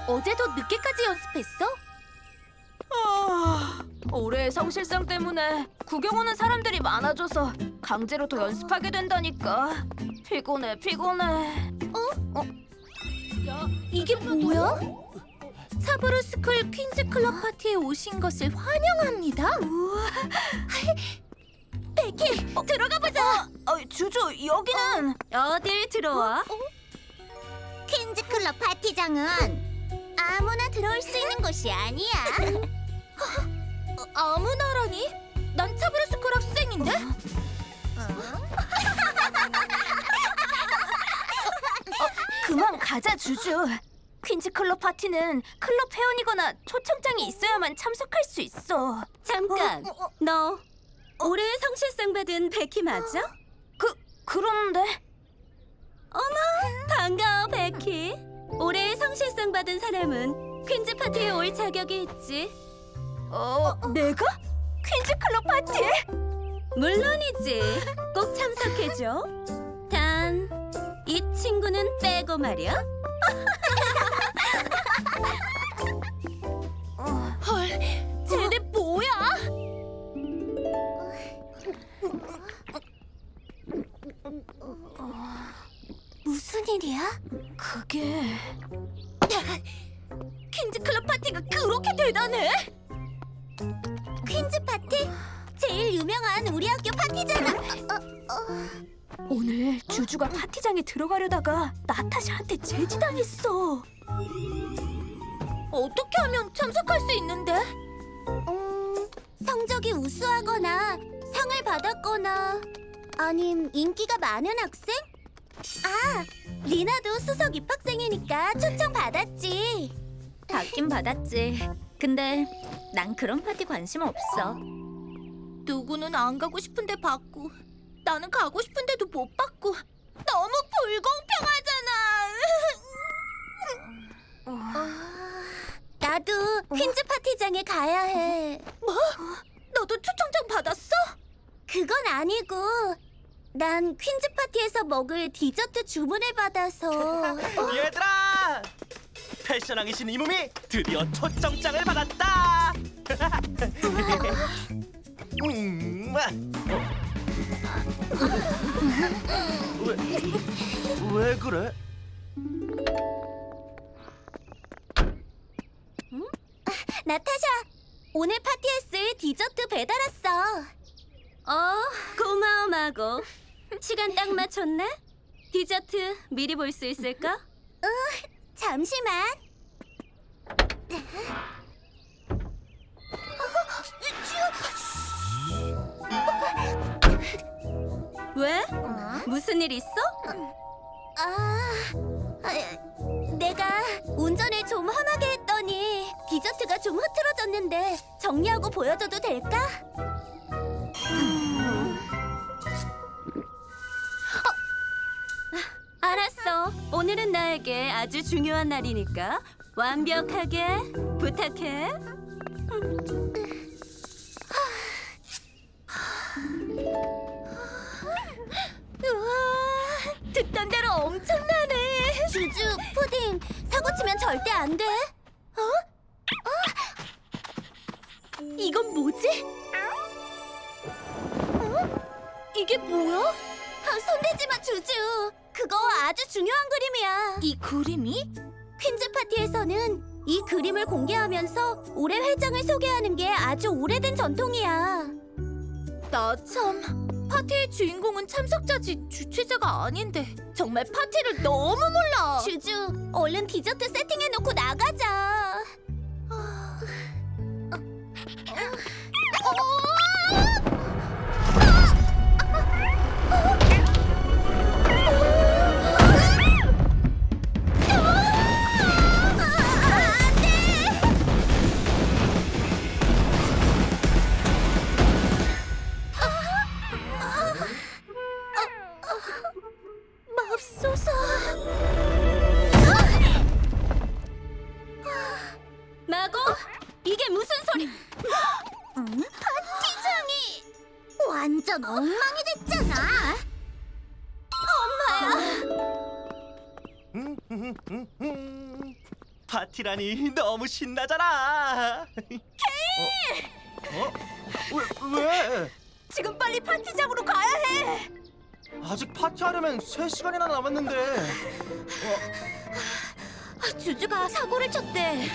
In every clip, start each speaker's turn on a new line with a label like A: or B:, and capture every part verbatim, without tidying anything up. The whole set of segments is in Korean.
A: 어제도 늦게까지 연습했어?
B: 아, 올해의 성실성 때문에 구경 오는 사람들이 많아져서 강제로 더 연습하게 된다니까. 피곤해, 피곤해.
A: 어? 야, 이게 뭐야? 사브르스쿨 퀸즈 클럽 파티에 오신 것을 환영합니다.
B: 우와.
A: 베키, 어, 들어가 보자.
B: 어, 어, 주주, 여기는
C: 어딜 들어와?
A: 어? 퀸즈 클럽 파티장은 아무나 들어올 수 있는 곳이 아니야. 어, 아무나라니? 난 사브르스쿨 학생인데?
B: 그만 가자, 주주. 퀸즈 클럽 파티는 클럽 회원이거나 초청장이 있어야만 참석할 수 있어.
C: 잠깐,
A: 어, 어, 어.
C: 너 올해 성실상 받은 베키 맞아?
B: 그, 그런데
C: 반가워, 베키. 올해 성실상 받은 사람은 퀸즈 파티에 올 자격이 있지.
B: 어, 내가? 퀸즈 클럽 파티에?
C: 물론이지. 꼭 참석해줘. 단, 이 친구는 빼고 말이야.
A: 헐, 쟤네 뭐야? 무슨 일이야?
B: 그게...
A: 퀸즈 클럽 파티가 그렇게 대단해? 퀸즈 파티? 제일 유명한 우리 학교 파티잖아. 어, 어.
B: 오늘 주주가 파티장에 들어가려다가 나타샤한테 제지당했어.
A: 어떻게 하면 참석할 수 있는데? 음, 성적이 우수하거나 상을 받았거나 아님 인기가 많은 학생? 아, 리나도 수석 입학생이니까 초청 받았지.
C: 받긴 받았지. 근데 난 그런 파티 관심 없어.
A: 누구는 안 가고 싶은데 받고 나는 가고 싶은데도 못 받고 너무 불공평하잖아. 나도 퀸즈 파티장에 가야 해. 뭐? 너도 초청장 받았어? 그건 아니고 난 퀸즈 파티에서 먹을 디저트 주문을 받아서.
D: 얘들아! 패션왕이신 이 몸이 드디어 초청장을 받았다! 음, 왜, 왜 그래?
A: 나타샤, 오늘 파티에 쓸 디저트 배달 왔어.
C: 어, 고마워, 마고. 시간 딱 맞췄네? 디저트 미리 볼 수 있을까?
A: 잠시만.
C: 왜? 무슨 일 있어?
A: 아, 아, 내가 운전을 좀 험하게 했더니 디저트가 좀 흐트러졌는데 정리하고 보여줘도 될까?
C: 알았어. 오늘은 나에게 아주 중요한 날이니까 완벽하게 부탁해.
A: 우와, 듣던 대로 엄청나네. 주주, 푸딩, 사고 치면 절대 안 돼. 어? 어? 이건 뭐지? 어? 이게 뭐야? 아, 손대지 마, 주주. 그거 아주 중요한 그림이야. 이 그림이? 퀸즈 파티에서는 이 그림을 공개하면서 올해 회장을 소개하는 게 아주 오래된 전통이야. 나 참... 파티의 주인공은 참석자지 주최자가 아닌데 정말 파티를 너무 몰라. 주주, 얼른 디저트 세팅해놓고 나가자. 어... 어... 맙소사.
D: 파티라니 너무 신나잖아. 케이! 어? 어? 왜? 왜?
B: 지금 빨리 파티장으로 가야 해.
D: 아직 파티하려면 세 시간이나 남았는데. 어?
A: 주주가 사고를 쳤대.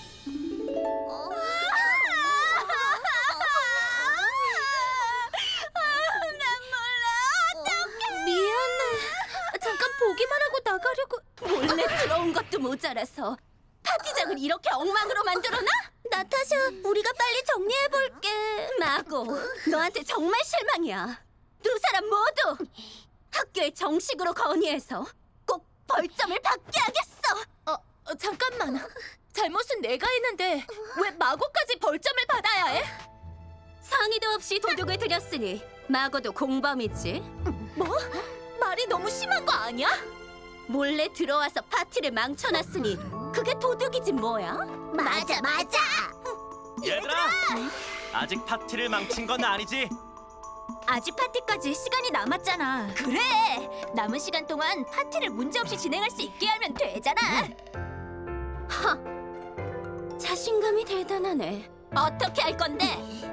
A: 미안해. 잠깐 보기만 하고 나가려고. 몰래 들어온 것도 모자라서 파티장을 이렇게 엉망으로 만들어놔? 나타샤, 우리가 빨리 정리해볼게. 마고, 너한테 정말 실망이야. 두 사람 모두 학교에 정식으로 건의해서 꼭 벌점을 받게 하겠어.
B: 어, 어, 잠깐만. 잘못은 내가 했는데 왜 마고까지 벌점을 받아야 해?
C: 상의도 없이 도둑을 들였으니 마고도 공범이지.
B: 뭐? 말이 너무 심한 거 아니야?
C: 몰래 들어와서 파티를 망쳐놨으니 그게 도둑이지 뭐야?
A: 맞아, 맞아.
D: 얘들아, 아직 파티를 망친 건 아니지?
B: 아직 파티까지 시간이 남았잖아. 그래! 남은 시간 동안 파티를 문제없이 진행할 수 있게 하면 되잖아.
C: 자신감이 대단하네.
B: 어떻게 할 건데?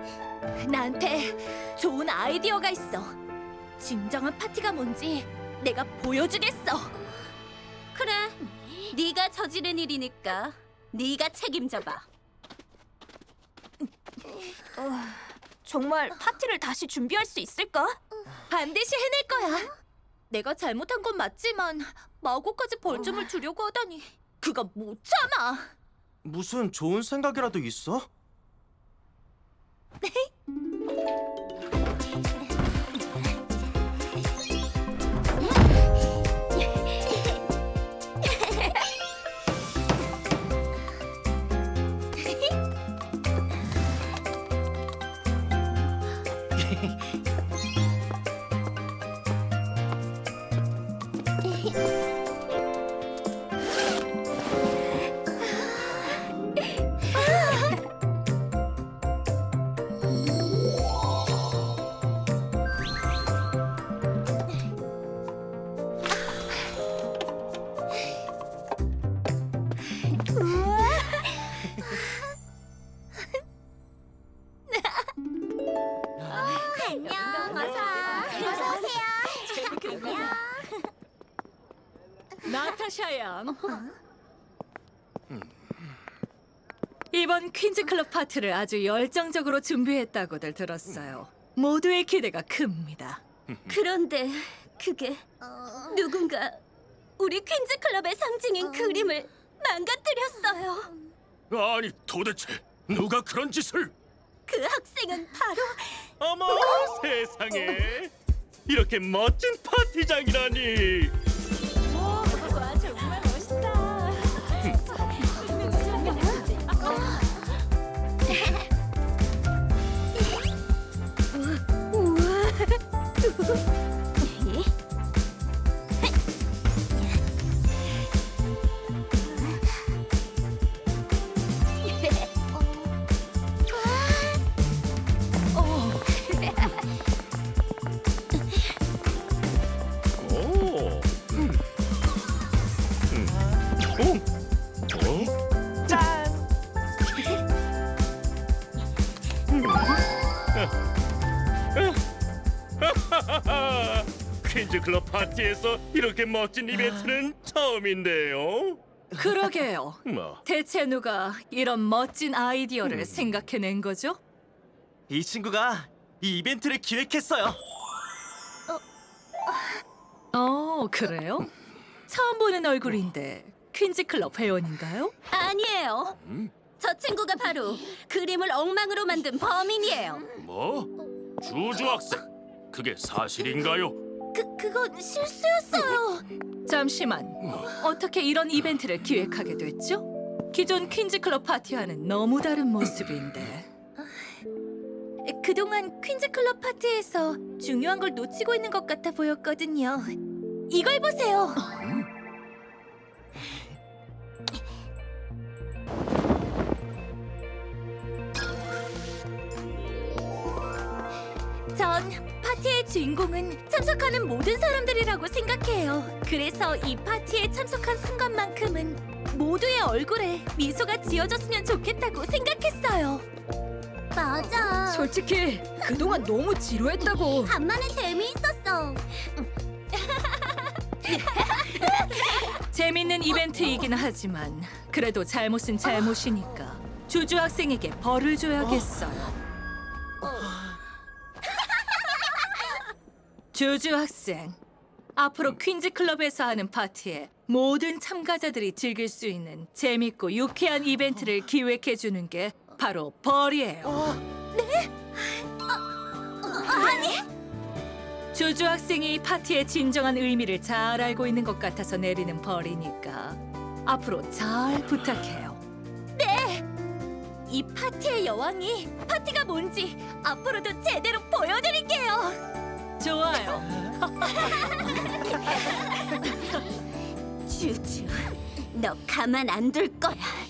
B: 나한테 좋은 아이디어가 있어. 진정한 파티가 뭔지 내가 보여주겠어.
C: 그래, 네가 저지른 일이니까 네가 책임져봐.
B: 어, 정말 파티를 다시 준비할 수 있을까? 반드시 해낼 거야. 내가 잘못한 건 맞지만 마고까지 벌점을 주려고 하다니 그거 못 참아.
D: 무슨 좋은 생각이라도 있어?
A: 안녕, 어서. 어서 오세요. 안녕.
E: 나타샤 양. 이번 퀸즈 클럽 파티를 아주 열정적으로 준비했다고들 들었어요. 모두의 기대가 큽니다.
C: 그런데 그게 누군가 우리 퀸즈 클럽의 상징인 그림을 망가뜨렸어요.
F: 아니 도대체 누가 그런 짓을?
C: 그 학생은 바로
F: 어머 세상에 이렇게 멋진 파티장이라니.
E: 와 정말 멋있다.
F: 오. 음. 음. 오. 어?
D: 짠!
F: 퀸즈 클럽 파티에서 이렇게 멋진 이벤트는 처음인데요.
E: 그러게요.
F: 뭐
E: 대체 누가 이런 멋진 아이디어를 생각해낸 거죠?
D: 이 친구가 이 이벤트를 기획했어요.
E: 어, 그래요? 처음 보는 얼굴인데 퀸즈 클럽 회원인가요?
C: 아니에요. 저 친구가 바로 그림을 엉망으로 만든 범인이에요.
F: 뭐? 주주 학생 그게 사실인가요?
B: 그, 그건 실수였어요.
E: 잠시만. 어떻게 이런 이벤트를 기획하게 됐죠? 기존 퀸즈 클럽 파티와는 너무 다른 모습인데.
B: 그동안 퀸즈 클럽 파티에서 중요한 걸 놓치고 있는 것 같아 보였거든요. 이걸 보세요. 전 파티의 주인공은 참석하는 모든 사람들이라고 생각해요. 그래서 이 파티에 참석한 순간만큼은 모두의 얼굴에 미소가 지어졌으면 좋겠다고 생각했어요.
A: 맞아.
E: 솔직히 그동안 너무 지루했다고.
A: 간만에 재미있었어.
E: 재밌는 이벤트이긴 하지만 그래도 잘못은 잘못이니까 주주 학생에게 벌을 줘야겠어요. 주주 학생, 앞으로 퀸즈 클럽에서 하는 파티에 모든 참가자들이 즐길 수 있는 재밌고 유쾌한 이벤트를 기획해 주는 게 바로 벌이에요. 네? 아니. 주주 학생이 이 파티의 진정한 의미를 잘 알고 있는 것 같아서 내리는 벌이니까 앞으로 잘 부탁해요.
B: 이 파티의 여왕이 파티가 뭔지 앞으로도 제대로 보여드릴게요.
E: 좋아요.
A: 주주, 너 가만 안 둘 거야.